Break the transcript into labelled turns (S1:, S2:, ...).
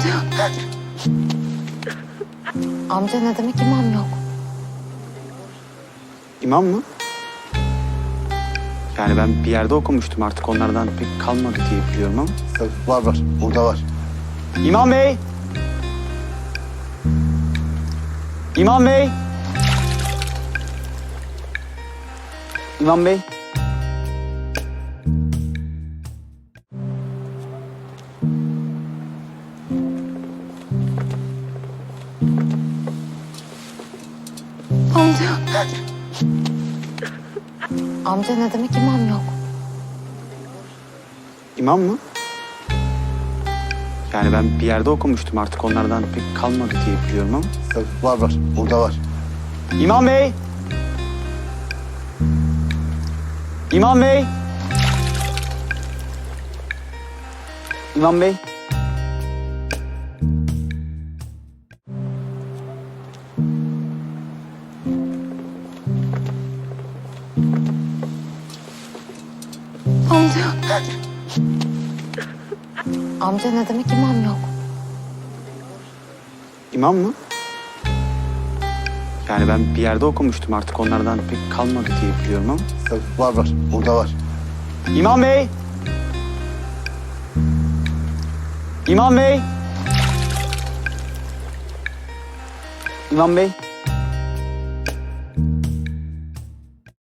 S1: Amca. Amca ne demek imam yok?
S2: İmam mı? Yani ben bir yerde okumuştum, artık onlardan pek kalmadı diye biliyorum ama.
S3: Var. Burada var.
S2: İmam Bey! İmam Bey! İmam Bey!
S1: Amca. Amca ne demek imam yok?
S2: İmam mı? Yani ben bir yerde okumuştum, artık onlardan pek kalmadı diye biliyorum ama.
S3: Var. Burada var.
S2: İmam Bey! İmam Bey! İmam Bey!
S1: Amca. Amca ne demek imam yok?
S2: İmam mı? Yani ben bir yerde okumuştum, artık onlardan pek kalmadı diye biliyorum ama.
S3: Var. Burada var.
S2: İmam Bey! İmam Bey! İmam Bey!